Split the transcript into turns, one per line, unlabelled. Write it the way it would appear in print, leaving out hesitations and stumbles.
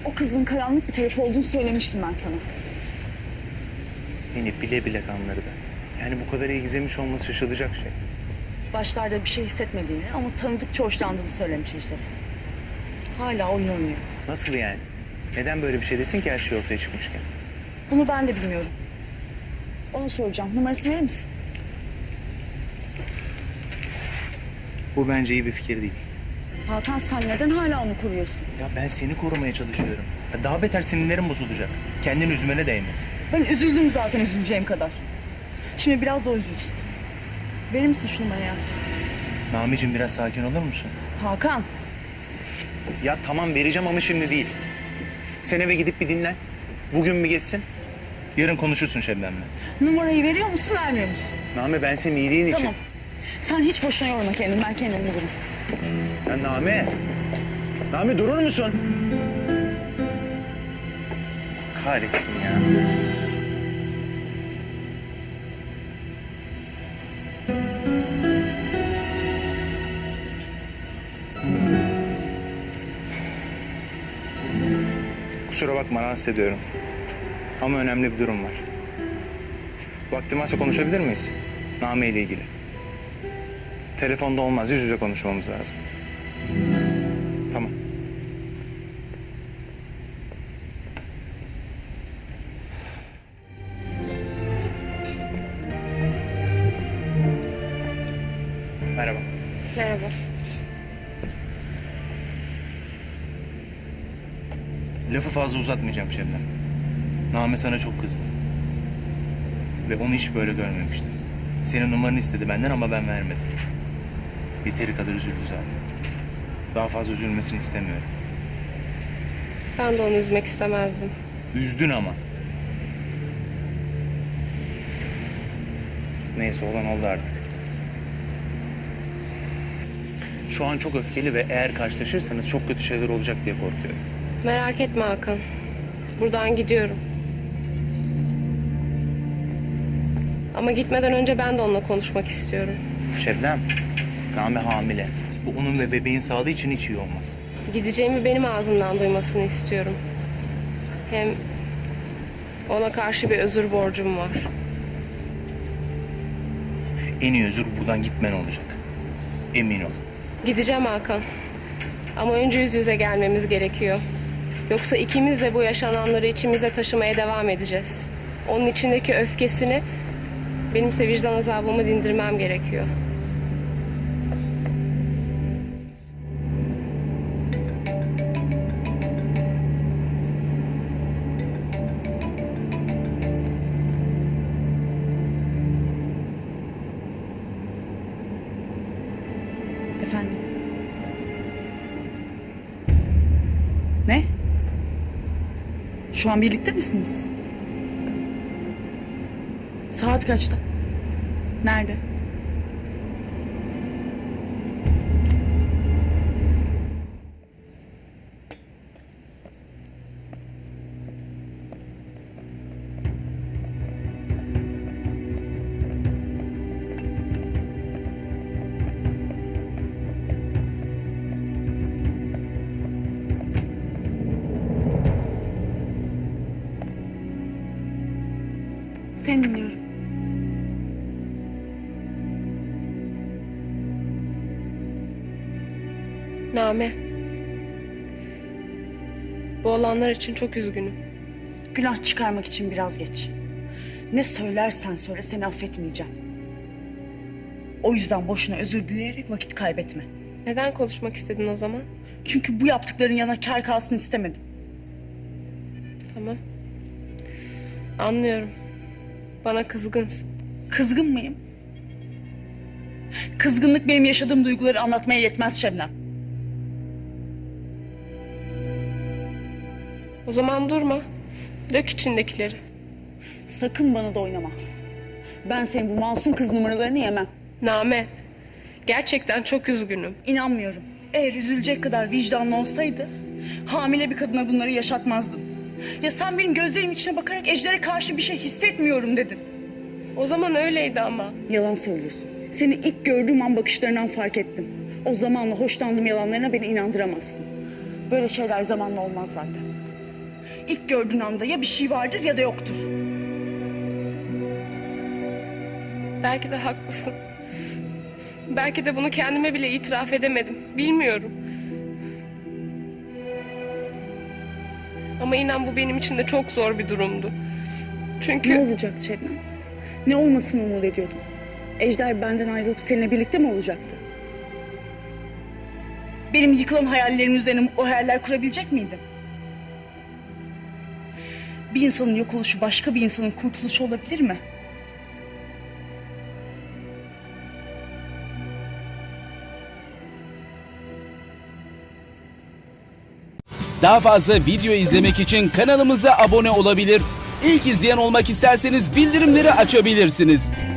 O kızın karanlık bir tarafı olduğunu söylemiştim ben sana.
Beni bile bile kandırdı. Yani bu kadar iyi gizlemiş olması şaşılacak şey.
Başlarda bir şey hissetmediğini ama tanıdıkça hoşlandığını söylemiş Ejder'e. Hala oyun oynuyor.
Nasıl yani? Neden böyle bir şey desin ki her şey ortaya çıkmışken?
Bunu ben de bilmiyorum. Onu soracağım. Numarasını verir misin?
Bu bence iyi bir fikir değil.
Hakan sen neden hala onu koruyorsun?
Ya ben seni korumaya çalışıyorum. Ya daha beter sinirlerim bozulacak. Kendini üzmene değmez.
Ben üzüldüm zaten üzüleceğim kadar. Şimdi biraz da o üzülsün. Verir misin şu numarayı artık?
Nami'cim biraz sakin olur musun?
Hakan.
Ya tamam vereceğim ama şimdi değil. Sen eve gidip bir dinlen. Bugün bir geçsin. Yarın konuşursun Şebnem'le.
Numarayı veriyor musun vermiyor musun?
Nami ben senin iyiliğin için.
Tamam. Sen hiç boşuna yorma kendini. Ben kendim bulurum.
Ya Nami. Nami durur musun? Kahretsin ya. Kusura bakma rahatsız ediyorum. Ama önemli bir durum var. Vaktin varsa konuşabilir miyiz? Nami ile ilgili. Telefonda olmaz, yüz yüze konuşmamız lazım. Tamam. Merhaba.
Merhaba.
Lafı fazla uzatmayacağım Şebnem. Name sana çok kızdı. Ve onu hiç böyle görmemiştim. Senin numaranı istedi benden ama ben vermedim. Yeteri kadar üzüldü zaten. Daha fazla üzülmesini istemiyorum.
Ben de onu üzmek istemezdim.
Üzdün ama. Neyse olan oldu artık. Şu an çok öfkeli ve eğer karşılaşırsanız çok kötü şeyler olacak diye korkuyorum.
Merak etme Hakan. Buradan gidiyorum. Ama gitmeden önce ben de onunla konuşmak istiyorum.
Şebnem, Name hamile. Bu onun ve bebeğin sağlığı için hiç iyi olmaz.
Gideceğimi benim ağzımdan duymasını istiyorum. Hem ona karşı bir özür borcum var.
En iyi özür buradan gitmen olacak. Emin ol.
Gideceğim Hakan. Ama önce yüz yüze gelmemiz gerekiyor. Yoksa ikimiz de bu yaşananları içimize taşımaya devam edeceğiz. Onun içindeki öfkesini, benimse vicdan azabımı dindirmem gerekiyor.
Efendim? Ne? Şu an birlikte misiniz? Saat kaçta? Nerede? Seni dinliyorum.
Name. Bu olanlar için çok üzgünüm.
Günah çıkarmak için biraz geç. Ne söylersen söyle seni affetmeyeceğim. O yüzden boşuna özür dileyerek vakit kaybetme.
Neden konuşmak istedin o zaman?
Çünkü bu yaptıkların yana kâr kalsın istemedim.
Tamam. Anlıyorum. Bana kızgınsın.
Kızgın mıyım? Kızgınlık benim yaşadığım duyguları anlatmaya yetmez Şebnem.
O zaman durma. Dök içindekileri.
Sakın bana da oynama. Ben senin bu masum kız numaralarını yemem.
Name. Gerçekten çok üzgünüm.
İnanmıyorum. Eğer üzülecek kadar vicdanlı olsaydı hamile bir kadına bunları yaşatmazdın. Ya sen benim gözlerim içine bakarak Ejder'e karşı bir şey hissetmiyorum dedin.
O zaman öyleydi ama.
Yalan söylüyorsun. Seni ilk gördüğüm an bakışlarından fark ettim. O zamanla hoşlandığım yalanlarına beni inandıramazsın. Böyle şeyler zamanla olmaz zaten. İlk gördüğün anda ya bir şey vardır ya da yoktur.
Belki de haklısın. Belki de bunu kendime bile itiraf edemedim. Bilmiyorum. Ama inan bu benim için de çok zor bir durumdu. Çünkü
Ne olacaktı Şebnem? Ne olmasını umut ediyordun? Ejder benden ayrılıp seninle birlikte mi olacaktı? Benim yıkılan hayallerimin üzerine o hayaller kurabilecek miydin? Bir insanın yok oluşu başka bir insanın kurtuluşu olabilir mi?
Daha fazla video izlemek için kanalımıza abone olabilir. İlk izleyen olmak isterseniz bildirimleri açabilirsiniz.